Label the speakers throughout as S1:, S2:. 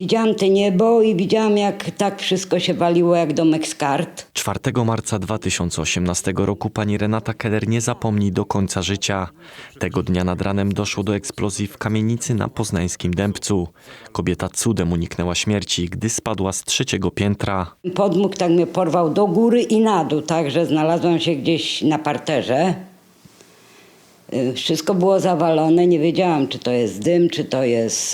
S1: Widziałam te niebo i widziałam, jak tak wszystko się waliło jak domek z kart.
S2: 4 marca 2018 roku pani Renata Keller nie zapomni do końca życia. Tego dnia nad ranem doszło do eksplozji w kamienicy na poznańskim Dębcu. Kobieta cudem uniknęła śmierci, gdy spadła z 3. piętra.
S1: Podmuch tak mnie porwał do góry i na dół, tak, że znalazłam się gdzieś na parterze. Wszystko było zawalone, nie wiedziałam, czy to jest dym, czy to jest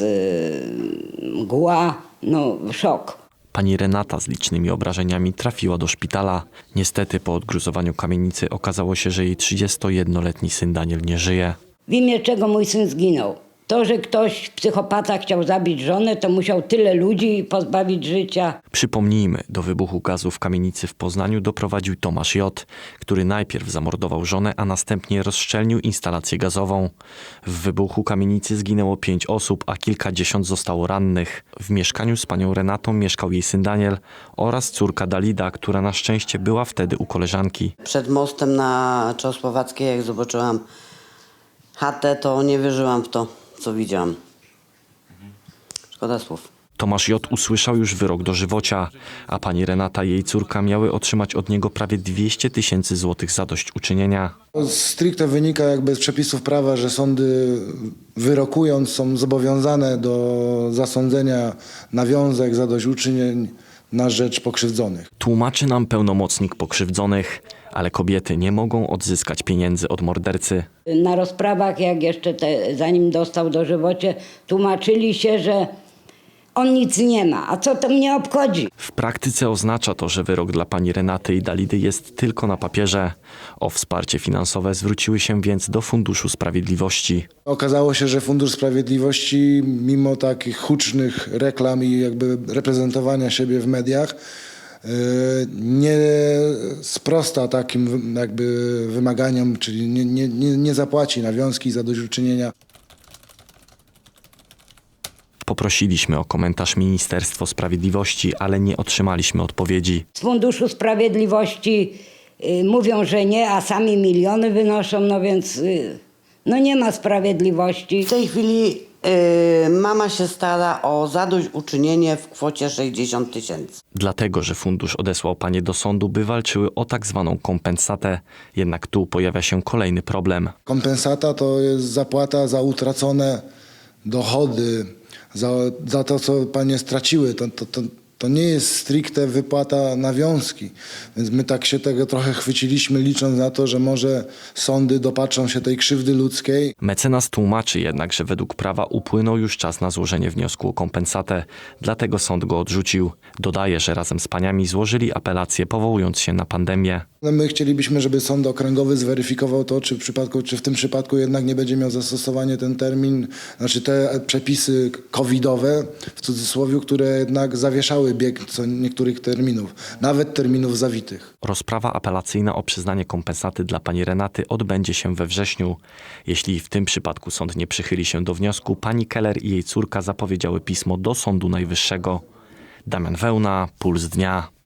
S1: mgła. No, szok.
S2: Pani Renata z licznymi obrażeniami trafiła do szpitala. Niestety po odgruzowaniu kamienicy okazało się, że jej 31-letni syn Daniel nie żyje.
S1: W imię czego mój syn zginął? To, że ktoś, psychopata, chciał zabić żonę, to musiał tyle ludzi pozbawić życia.
S2: Przypomnijmy, do wybuchu gazu w kamienicy w Poznaniu doprowadził Tomasz J., który najpierw zamordował żonę, a następnie rozszczelnił instalację gazową. W wybuchu kamienicy zginęło 5 osób, a kilkadziesiąt zostało rannych. W mieszkaniu z panią Renatą mieszkał jej syn Daniel oraz córka Dalida, która na szczęście była wtedy u koleżanki.
S3: Przed mostem na Czechosłowackiej, jak zobaczyłam chatę, to nie wierzyłam w to, co widziałam. Szkoda słów.
S2: Tomasz J. usłyszał już wyrok dożywocia, a pani Renata i jej córka miały otrzymać od niego prawie 200 000 złotych zadośćuczynienia.
S4: Stricte wynika jakby z przepisów prawa, że sądy wyrokując są zobowiązane do zasądzenia nawiązek, zadośćuczynień na rzecz pokrzywdzonych.
S2: Tłumaczy nam pełnomocnik pokrzywdzonych, ale kobiety nie mogą odzyskać pieniędzy od mordercy.
S1: Na rozprawach, jak jeszcze zanim dostał dożywocie, tłumaczyli się, że on nic nie ma, a co to mnie obchodzi?
S2: W praktyce oznacza to, że wyrok dla pani Renaty i Dalidy jest tylko na papierze. O wsparcie finansowe zwróciły się więc do Funduszu Sprawiedliwości.
S4: Okazało się, że Fundusz Sprawiedliwości, mimo takich hucznych reklam i jakby reprezentowania siebie w mediach, nie sprosta takim jakby wymaganiom, czyli nie zapłaci nawiązki i zadośćuczynienia.
S2: Poprosiliśmy o komentarz Ministerstwo Sprawiedliwości, ale nie otrzymaliśmy odpowiedzi.
S1: Z Funduszu Sprawiedliwości mówią, że nie, a sami miliony wynoszą, no więc no nie ma sprawiedliwości.
S3: W tej chwili mama się stara o zadośćuczynienie w kwocie 60 000.
S2: Dlatego, że fundusz odesłał panie do sądu, by walczyły o tak zwaną kompensatę. Jednak tu pojawia się kolejny problem.
S4: Kompensata to jest zapłata za utracone dochody, za to, co panie straciły. To nie jest stricte wypłata nawiązki. Więc my tak się tego trochę chwyciliśmy, licząc na to, że może sądy dopatrzą się tej krzywdy ludzkiej.
S2: Mecenas tłumaczy jednak, że według prawa upłynął już czas na złożenie wniosku o kompensatę, dlatego sąd go odrzucił. Dodaje, że razem z paniami złożyli apelację, powołując się na pandemię.
S4: My chcielibyśmy, żeby sąd okręgowy zweryfikował to, czy w tym przypadku jednak nie będzie miał zastosowania ten termin, znaczy te przepisy covidowe, w cudzysłowie, które jednak zawieszały bieg co niektórych terminów, nawet terminów zawitych.
S2: Rozprawa apelacyjna o przyznanie kompensaty dla pani Renaty odbędzie się we wrześniu. Jeśli w tym przypadku sąd nie przychyli się do wniosku, pani Keller i jej córka zapowiedziały pismo do Sądu Najwyższego. Damian Wełna, Puls Dnia.